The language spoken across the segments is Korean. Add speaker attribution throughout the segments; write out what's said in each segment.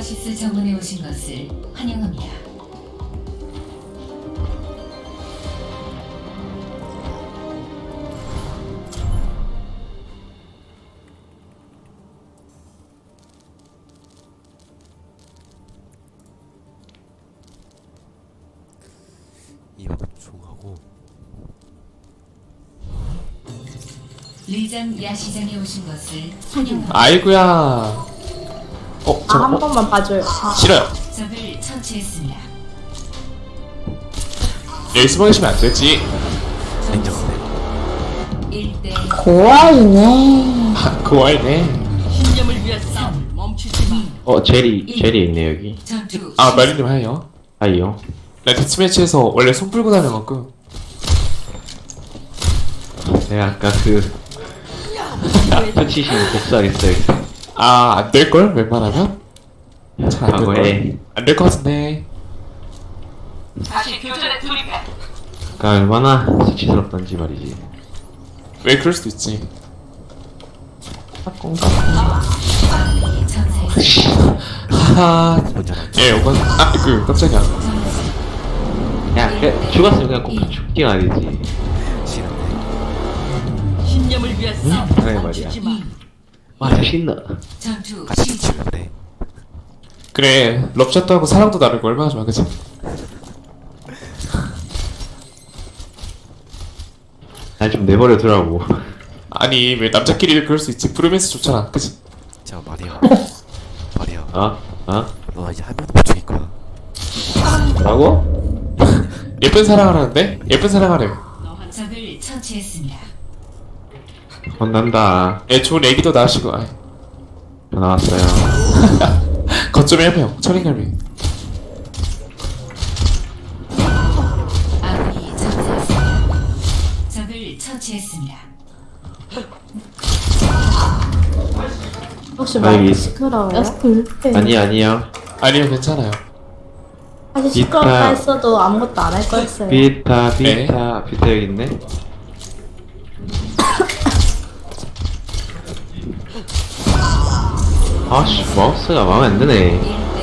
Speaker 1: 오아시스 정원에 오신 것을 환영합니다.
Speaker 2: 이거 종하고
Speaker 1: 리장 야시장에 오신 것을 환영합니다.
Speaker 3: 아이고야.
Speaker 4: 한 번만 봐줘요.
Speaker 3: 싫어요.
Speaker 1: 적을 처치했습니다.
Speaker 3: 여기 숨어 계시면 안 되지.
Speaker 2: 냉정하네.
Speaker 1: 1대
Speaker 4: 고아이네.
Speaker 3: 고아이네.
Speaker 5: 신념을 위한 싸움 멈추지 마.
Speaker 6: 제리 있네 여기.
Speaker 1: 전투
Speaker 3: 아 마리님 하요.
Speaker 6: 아이요.
Speaker 3: 나 데스매치에서 원래 손 풀고 다녀갖고.
Speaker 6: 내가 아까 터치신 복수하겠어요.
Speaker 3: 아 안 될 걸? 웬만하면? 잘 안 될 걸.
Speaker 6: 과거에
Speaker 3: 안 될 것 같은데.
Speaker 5: 다시 교전에 돌입해.
Speaker 6: 아까 얼마나 수치스럽던지 말이지.
Speaker 3: 왜 그럴 수도 있지.
Speaker 1: 전세
Speaker 3: 하하.
Speaker 2: 먼저 나.
Speaker 3: 예, 이건 깜짝이야.
Speaker 6: 야, 죽었으면 그냥 꼭 죽긴 아니지.
Speaker 2: 싫은데.
Speaker 5: 신념을 위한 싸움
Speaker 6: 그래,
Speaker 5: 멈추지 마.
Speaker 6: 와, 신나.
Speaker 1: 전투
Speaker 2: 같이
Speaker 1: 시작.
Speaker 2: 치면 그래.
Speaker 3: 그래, 럽샷도 하고 사랑도 나누고 얼마나 좋아, 그치?
Speaker 6: 날 좀 내버려 두라고.
Speaker 3: 아니, 왜 남자끼리 그럴 수 있지? 브로맨스 좋잖아, 그치?
Speaker 2: 자 말이야. 말이야.
Speaker 6: 어?
Speaker 2: 너 이제 한 명도 못 죽일 거야.
Speaker 6: 뭐라고?
Speaker 3: 예쁜 사랑하라는데? 예쁜 사랑하래요.
Speaker 1: 적을 처치했습니다.
Speaker 6: 혼난다.
Speaker 3: 예, 좋은 애기도 낳으시고, 아이.
Speaker 6: 저 나왔어요.
Speaker 3: 거점에 해봐요, 철인갈비.
Speaker 1: 아군이 전사했습니다. 적을 처치했습니다.
Speaker 4: 혹시
Speaker 6: 아, 여기
Speaker 4: 마이크
Speaker 6: 있-
Speaker 4: 시끄러워요?
Speaker 6: 아니요.
Speaker 3: 아니요, 괜찮아요.
Speaker 4: 사실 시끄럽다 했어도 아무것도 안 할 거였어요.
Speaker 6: 비타
Speaker 3: 네.
Speaker 6: 여기 있네. 아씨, 마우스가 마음에 안 드네.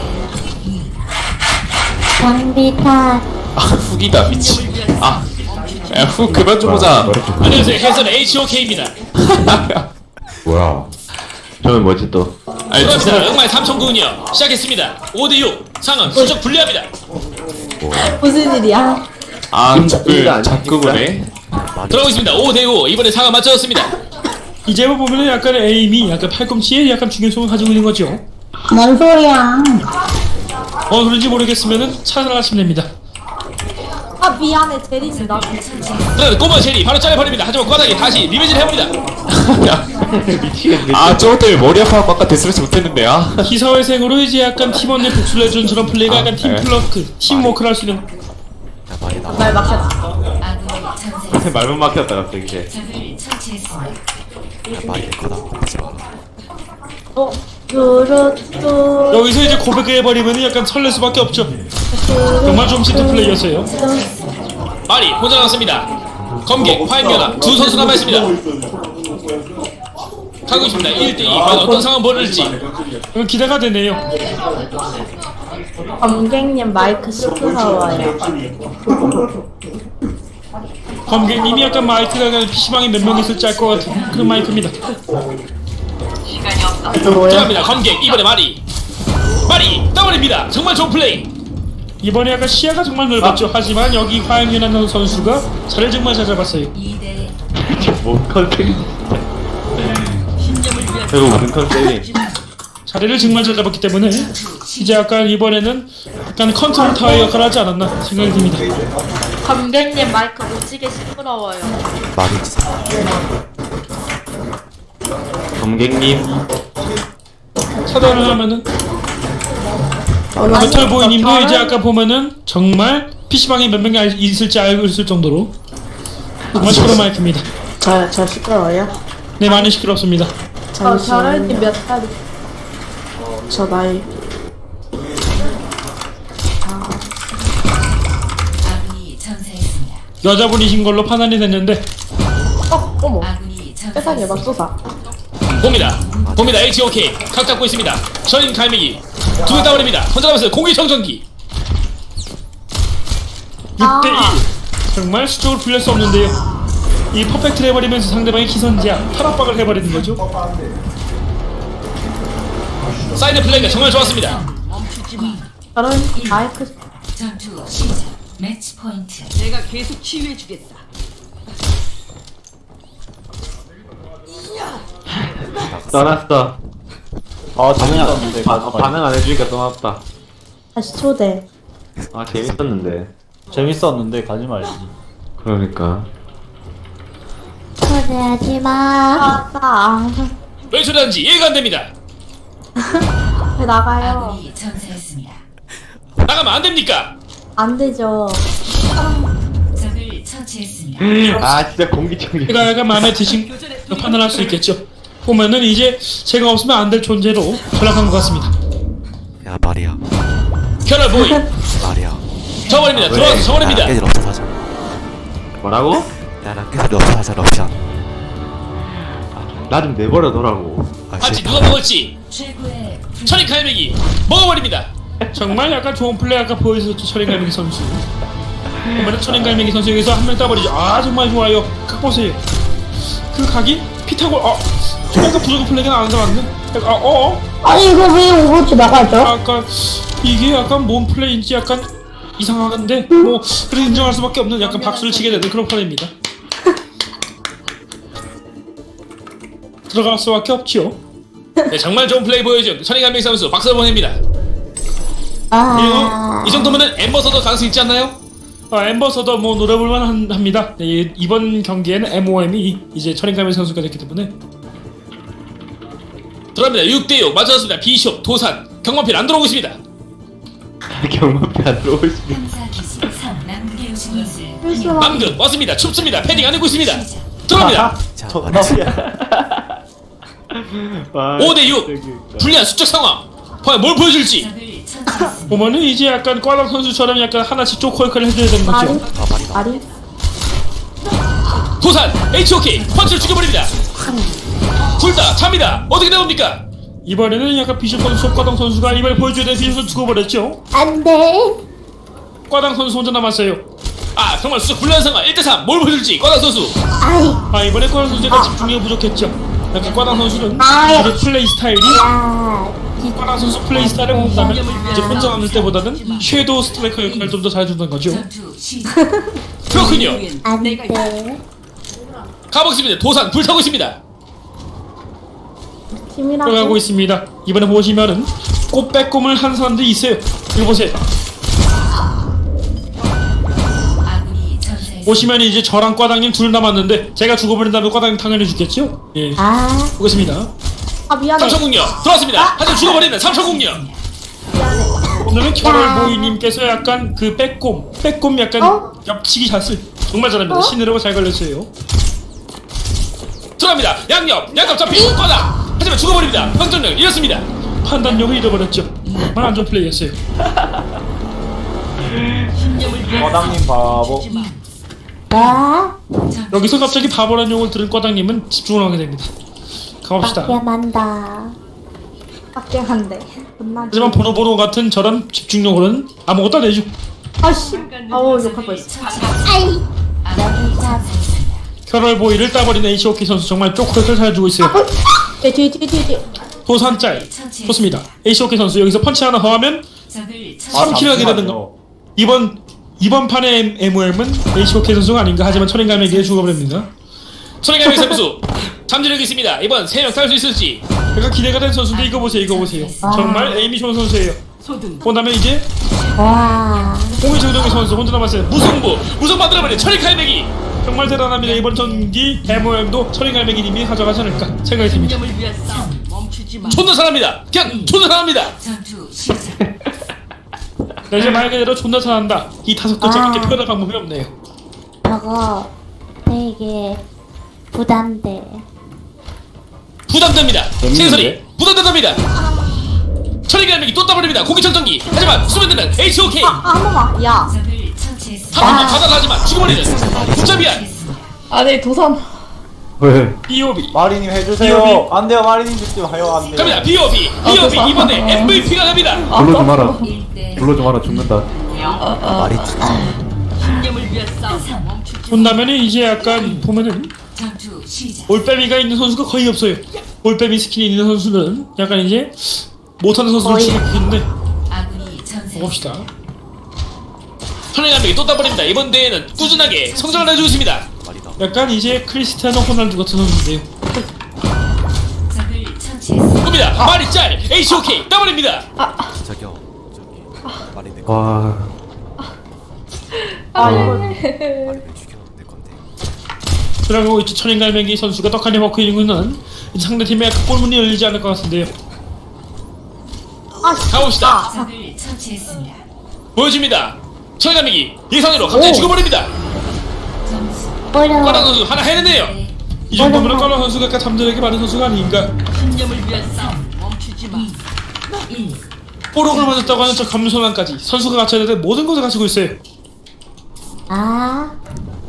Speaker 1: 1대
Speaker 4: 장비타.
Speaker 3: 아, 훅이다, 미치. 아, 야, 훅 그만 좀 보자.
Speaker 7: 안녕하세요. 해선 HOK입니다.
Speaker 6: 뭐야? 저는 뭐지 또?
Speaker 3: 아니,
Speaker 7: 그렇습니다. 응말 삼천군이요. 시작했습니다. 5대6 상황 수적 불리합니다.
Speaker 4: 무슨 일이야?
Speaker 3: 아,
Speaker 6: 이거
Speaker 3: 자꾸,
Speaker 6: 아닙니까?
Speaker 3: 자꾸 보네.
Speaker 7: 들어가겠습니다. 5대5 이번에 상황 맞춰졌습니다. 이제부 보면은 약간 에임이 약간 팔꿈치에 약간 중요성을 가지고 있는 거죠.
Speaker 4: 뭔 소리야?
Speaker 7: 그런지 모르겠으면은 찾아가시면 됩니다.
Speaker 4: 아 미안해 제리지 나.
Speaker 7: 네, 꼬마 제리 바로 잘라버립니다. 하지만 과다기 다시 리벤지를 해봅니다.
Speaker 6: 미치겠네.
Speaker 3: 아, 저것 때문에 머리 아파갖고 아까 데스매치 못했는데, 아.
Speaker 7: 기사회생으로 이제 약간 팀원 내 복수를 해준 저런 플레이가 약간
Speaker 3: 네.
Speaker 7: 팀플러크, 팀워크를 할 수 있는
Speaker 2: 야 말이 나.
Speaker 4: 말 막혔어.
Speaker 1: 아군이 전사했습니다.
Speaker 6: 말문 막혔다 갑자기 이제.
Speaker 1: 적을 처치했습니다.
Speaker 2: 야 말이 내 거다. 하지 마.
Speaker 4: 뚜루뚜.
Speaker 7: 여기서 이제 고백해버리면 약간 설렐 수밖에 없죠. 정말 좀 시트 플레이였어요. 말이 혼자 나왔습니다. 검객, 화인면허 두 선수 남아있습니다. 가고 있습니다. 1대2 과연 어떤 상황 벌일지 기대가 되네요.
Speaker 4: 검객님 마이크 시끄러워요.
Speaker 7: 검객님이 약간 마이크가 PC방에 몇 명 있을지 알 것 같은 그런 마이크입니다.
Speaker 5: 시간이 없어.
Speaker 4: 뭐야?
Speaker 7: 들어갑니다. 검객 이번에 말이 떠버립니다. 정말 좋은 플레이. 이번에 약간 시야가 정말 넓었죠. 하지만 여기 화영연한 선수가 자리를 정말 잘 잡았어요.
Speaker 1: 2대
Speaker 6: 뭔 컨셉이?
Speaker 5: 신념을 위한
Speaker 6: 저거 무슨 컨셉이?
Speaker 7: 자리를 정말 잘 잡았기 때문에 이제 약간 이번에는 약간 컨트롤 타워 역할을 하지 않았나 생각이 듭니다.
Speaker 4: 검객님 마이크 무지개 시끄러워요.
Speaker 2: 말이 진짜.
Speaker 6: 검객님.
Speaker 7: 차단을 하면은 메탈보이님도 이제 아까 보면은 정말 PC방에 몇 명이 있을지 알고 있을 정도로 정말 시끄러운 마이크입니다.
Speaker 4: 저 시끄러워요?
Speaker 7: 네, 많이 시끄럽습니다.
Speaker 4: 결혼이 몇 살이? 저 나이.
Speaker 1: 아군이 전사했습니다.
Speaker 7: 여자분이신 걸로 판단이 됐는데
Speaker 4: 어머.
Speaker 1: 아군이
Speaker 4: 세상에
Speaker 1: 전사했습니다.
Speaker 4: 맙소사.
Speaker 7: 봅니다. HOK 각 잡고 있습니다. 저인 갈매기 두 개 따버립니다. 혼자 남았어요. 공기 정전기. 6대1. 정말 수적으로 불릴 수 없는데요. 이 퍼펙트를 해버리면서 상대방의 기선제압, 탈압박을 해버리는 거죠. 사이드 플레이가 정말 좋았습니다.
Speaker 5: 멈추지 마.
Speaker 4: 저런 마이크
Speaker 1: 전투 시작. 매치 포인트.
Speaker 5: 내가 계속 치유해주겠다.
Speaker 6: 떠났어.
Speaker 8: 재밌었는데
Speaker 6: 반응 안 해주니까 떠났다.
Speaker 4: 다시 초대.
Speaker 6: 아 재밌었는데.
Speaker 8: 재밌었는데 가지 말지.
Speaker 6: 그러니까.
Speaker 4: 초대하지 마. 나.
Speaker 7: 왜 초대한지 이해가 안 됩니다.
Speaker 4: 왜 나가요?
Speaker 1: 아군이 전사했습니다.
Speaker 7: 나가면 안 됩니까?
Speaker 4: 안 되죠.
Speaker 1: 적을 처치했습니다.
Speaker 6: 아 진짜 공기청정.
Speaker 7: 제가 약간 마음에 드신 판단할 수 있겠죠. 보면은 이제 제가 없으면 안 될 존재로 전락한 것 같습니다.
Speaker 2: 야 말이야.
Speaker 7: 결혈 보이
Speaker 2: 말이야.
Speaker 7: 저버립니다. 들어와서 저버립니다.
Speaker 2: 깨질 없어 하자.
Speaker 6: 뭐라고?
Speaker 2: 야랑 깨질 없어 하자 럽션.
Speaker 6: 나 좀 내버려 둬라고.
Speaker 7: 같이 누가 먹을지
Speaker 1: 최고의
Speaker 7: 천인 갈매기 먹어버립니다. 정말 약간 좋은 플레이 아까 보여줬죠. 천인 갈매기 선수. 보면은 천인 갈매기 선수 여기서 한 명 따버리죠. 아 정말 좋아요. 각 보세요. 그 각이 피타고 약간 부족한 플레이가 나온 것 같네.
Speaker 4: 아니 이거 왜 오버워치 나가죠?
Speaker 7: 약간 이게 약간 뭔 플레이인지 약간 이상한데 뭐 그래 인정할 수밖에 없는 약간 박수를 치게 되는 그런 플레이입니다. 들어갈 수밖에 없죠. 네, 정말 좋은 플레이 보여준 천인갈매기 선수 박수 보냅니다. 그리고 이 정도면은 엠버서더 가능성 있지 않나요? 엠버서더 뭐 노려볼만 합니다. 네, 이번 경기에는 MOM이 이제 천인갈매기 선수가 됐기 때문에 들어갑니다. 6대6 맞춰졌습니다. 비숍, 도산, 경마필 안 들어오고 있습니다.
Speaker 6: 경마피 안 들어올 수.
Speaker 1: 탐사 기지 3 남극에 오신 것을
Speaker 7: 남극 왔습니다. 춥습니다. 패딩 안 입고 있습니다. 들어갑니다.
Speaker 2: 자
Speaker 6: 아,
Speaker 7: 5대6 불리한 수적 상황. 과연 뭘 보여줄지.
Speaker 1: 적을 처치했습니다.
Speaker 7: 보면은 이제 약간 꽈당 선수처럼 약간 하나씩 쪼코이크를 해줘야 되는
Speaker 4: 말이?
Speaker 7: 거죠.
Speaker 4: 말이?
Speaker 7: 도산 HOK 펀치를 죽여버립니다. 둘 다 잡니다. 어떻게 나옵니까? 이번에는 약간 비숍 선수, 꽈당 선수가 이번에 보여줘야 되는 비숍 선수 죽어버렸죠.
Speaker 4: 안 돼.
Speaker 7: 꽈당 선수 혼자 남았어요. 아 정말 수적 불리한 상황. 1대3 뭘 보여줄지 꽈당 선수.
Speaker 4: 아이.
Speaker 7: 이번에 꽈당 선수 약간 집중력이 부족했죠. 약간 꽈당 선수는
Speaker 4: 아야.
Speaker 7: 이제 플레이 스타일이
Speaker 4: 야.
Speaker 7: 꽈당 선수 플레이 스타일을 본다면 이제 혼자 남을 때보다는 섀도우 스트라이커 역할을 좀 더 잘해준다는 거죠.
Speaker 1: 전투 시작.
Speaker 7: 그렇군요.
Speaker 4: 안 돼.
Speaker 7: 가보겠습니다. 도산 불타고 있습니다.
Speaker 4: 팀이라고.
Speaker 7: 들어가고 있습니다. 이번에 보시면은 꽃 빼꼼을 한 사람들이 있어요. 이거 보세요.
Speaker 1: 아군이 전사했습니다.
Speaker 7: 보시면 이제 저랑 과당님 둘 남았는데 제가 죽어버린 다음에 과당님 당연히 죽겠죠? 예.
Speaker 4: 아.
Speaker 7: 보겠습니다.
Speaker 4: 아 미안해.
Speaker 7: 삼천국녀 들어왔습니다. 하지만 죽어버리는 삼천국녀. 오늘은 결월보이님께서 약간 그 빼꼼 약간 옆치기 샷을 정말 잘합니다. 신으로가 잘 걸렸어요. 들어갑니다. 양옆 잡힌 과당. 하지만 죽어버립니다. 평전력 잃었습니다. 판단력을 잃어버렸죠. 정말 안 좋은 플레이였어요.
Speaker 8: 과당님 바보.
Speaker 4: 나.
Speaker 7: 여기서 갑자기 바보라는 용을 들은 과당님은 집중을 하게 됩니다. 가봅시다.
Speaker 4: 만다. 빡게한데.
Speaker 7: 하지만 보노보노 같은 저런 집중력으로는 아무것도 안 해줘.
Speaker 4: 아씨. 아우 욕할 뻔했어.
Speaker 1: 아군이 전사했습니다.
Speaker 7: 결월보이를 따버린 HOK 선수 정말 쪼크를 잘 주고 있어요.
Speaker 4: 뒤.
Speaker 7: 도산짤 좋습니다. HOK 선수 여기서 펀치 하나 더 하면
Speaker 1: 적을
Speaker 7: 3킬 하게 되는 거. 이번 판의 MOM은 HOK 선수가 아닌가. 하지만 천인갈매기에 죽어버립니다. 천인갈매기 선수 잠재력이 있습니다. 이번 3명 탈 수 있을지 약간 기대가 된 선수인데 이거 보세요. 정말 에이미 좋은 선수예요. 본다면 이제
Speaker 4: 와.
Speaker 7: 홍의정동의 선수 혼자 남았어요. 무승부 만들어버린 천인갈매기 정말 대단합니다. 이번 전기 MOM도 천인갈매기님이 가져가지 않을까 생각이 듭니다.
Speaker 5: 신념을 위한 싸움 멈추지 마.
Speaker 7: 존나 사랑합니다. 그냥 존나 사랑합니다.
Speaker 1: 전투 시작.
Speaker 7: 네, 이제 말 그대로 존나 잘한다. 이 5글자밖에 표현할 방법이 없네요.
Speaker 4: 저거 되게 부담돼.
Speaker 7: 부담됩니다. 신소리 부담된답니다. 천인갈매기 또 따버립니다. 공기청정기. 하지만 수면되는 HOK
Speaker 4: 한 번만. 야.
Speaker 1: 적을 처치했습니다.
Speaker 7: 한번더 받아가지만 죽어버리는 붙잡이야.
Speaker 4: 아네 도산.
Speaker 9: 왜?
Speaker 7: B.O.B
Speaker 8: 마리님 해주세요. 안 돼요, 마리님 듣지 마요. 안 돼요.
Speaker 7: 갑니다. B.O.B 이번에 MVP가 갑니다.
Speaker 9: 불러지 마라.
Speaker 1: 1대
Speaker 9: 불러지 마라. 죽는다.
Speaker 2: 말이 진짜
Speaker 5: 신념을 위한 싸움 멈추지
Speaker 7: 본다면은 이제 약간 보면은
Speaker 1: 전투 시작.
Speaker 7: 올빼미가 있는 선수가 거의 없어요. 올빼미 스킨이 있는 선수는 약간 이제 못하는 선수를
Speaker 4: 거의.
Speaker 7: 치고 있는데
Speaker 1: 아군이 전사했습니다.
Speaker 7: 봅시다. 선행감에게 또 따버립니다. 이번 대회는 꾸준하게 성장을 해주고 있습니다.
Speaker 2: 말이다.
Speaker 7: 약간 이제 크리스티아노 호날두 같은 선수인데요.
Speaker 1: 적을 처치했습니다.
Speaker 7: 봅니다. 말이 짤 HOK 따버립니다.
Speaker 2: 저기요. 저기 말이 내
Speaker 9: 와.
Speaker 4: 아 이거
Speaker 2: 말이 내 죽였는데 건데.
Speaker 7: 그리고 이제 천인갈매기 선수가 떡하니 먹고 있는 상대팀의 약간 골문이 열리지 않을 것 같은데요. 가봅시다.
Speaker 1: 적을 처치했습니다.
Speaker 7: 보여줍니다. 천인갈매기 예상대로 갑자기 죽어버립니다.
Speaker 1: 점수
Speaker 4: 어려워.
Speaker 7: 까랑 선수 하나 해냈네요. 이 정도면 까랑 선수가 아까 잠들에게 많은 선수가 아닌가.
Speaker 5: 신념을 위한 싸움 멈추지 마
Speaker 1: 1.
Speaker 7: 뽀록을 맞았다고 하는 저 감소란까지 선수가 갖춰야 될 모든 것을 가지고 있어요.
Speaker 4: 아.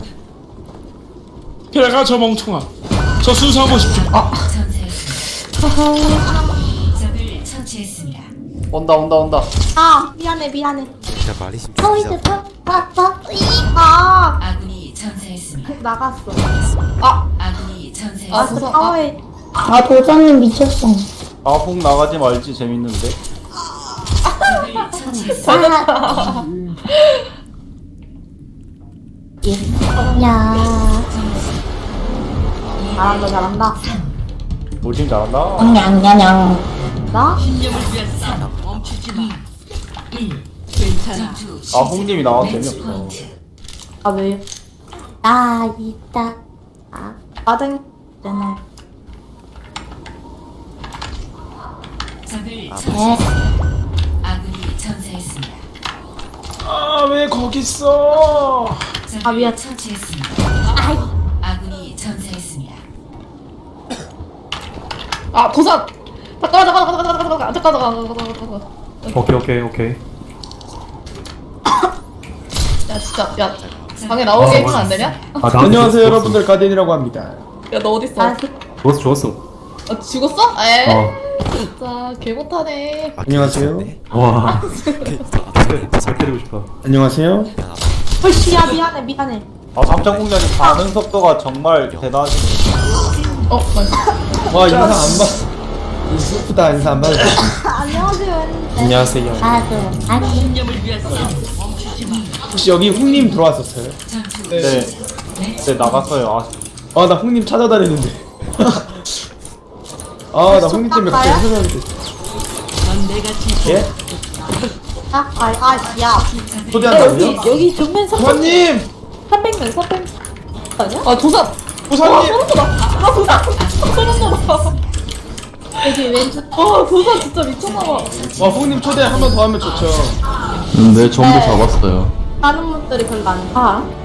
Speaker 7: 게다가 저 멍청아 저 순수한 모습 좀
Speaker 1: 전사했습니다. 적을 처치했습니다.
Speaker 8: 온다.
Speaker 4: 아 미안해.
Speaker 2: 진짜 말이 진짜
Speaker 4: 아 이제 아
Speaker 1: 아군이 전사했습니다.
Speaker 4: 나갔어.
Speaker 1: 아군이 전사했습니다.
Speaker 4: 아 사회. 아 도전님 미쳤어.
Speaker 8: 아폭 나가지 말지 재밌는데.
Speaker 1: 적을 처치했습니다.
Speaker 4: 야. 잘한다.
Speaker 8: 우리 팀 잘한다.
Speaker 4: 냥냥냥. 나?
Speaker 5: 신념을 위한 싸움 멈추지 마
Speaker 1: 1.
Speaker 5: 괜찮아
Speaker 1: 전투
Speaker 8: 아
Speaker 1: 시작.
Speaker 8: 홍님이 나와서
Speaker 1: 매치
Speaker 8: 재미없어.
Speaker 1: 포인트.
Speaker 4: 아 왜요? 아 있다. 아 빠등. 되나?
Speaker 1: 적을 처치했습니다. 아군이 전사했습니다.
Speaker 7: 아 왜 거기 있어.
Speaker 1: 적을
Speaker 4: 아, 미안.
Speaker 1: 처치했습니다.
Speaker 4: 아이.
Speaker 1: 아군이 전사했습니다.
Speaker 10: 아 도산 잠깐만
Speaker 9: 오케이.
Speaker 10: 야 진짜 야 방에 나오게 해주면 안 되냐?
Speaker 9: 아, 나
Speaker 11: 안녕하세요 여러분들, 가디언이라고 합니다.
Speaker 10: 야 너 어딨어?
Speaker 4: 아
Speaker 9: 죽었어.
Speaker 10: 아 죽었어? 에
Speaker 9: 어.
Speaker 10: 진짜 개 못하네
Speaker 11: 안녕하세요.
Speaker 9: 와. 잘 때리고 싶어.
Speaker 11: 안녕하세요.
Speaker 4: 헐씨야 미안해.
Speaker 8: 아 삼천공장님 반응 속도가 정말 대단하시네.
Speaker 10: 어 맞아
Speaker 11: 와 인사 안 받. 슬프다, 인사 안 받아.
Speaker 4: 안녕하세요. 했는데.
Speaker 11: 안녕하세요.
Speaker 4: 아니.
Speaker 5: 신념을 위한 싸움 멈추지 마
Speaker 11: 혹시 여기 훈님 들어왔었어요?
Speaker 1: 전투
Speaker 8: 네.
Speaker 1: 시작.
Speaker 8: 네 나갔어요.
Speaker 11: 아 나 훈님 찾아다니는데. 아 나 훈님 때문에 갑자기 생각이 됐어.
Speaker 5: 넌 내가 지켜
Speaker 11: 예?
Speaker 4: 야.
Speaker 11: 초대한다고요?
Speaker 10: 여기 정면
Speaker 11: 부사님!
Speaker 10: 300명 아니야? 아 도산
Speaker 11: 부사님!
Speaker 10: 아 도산 소름 돋아
Speaker 4: 여기 왼쪽.
Speaker 10: 도산 진짜 미쳤나봐
Speaker 11: 와 훈님 초대 한 번 더 하면 좋죠.
Speaker 3: 네, 전부 잡았어요.
Speaker 4: 다른 분들이 별로 안 가.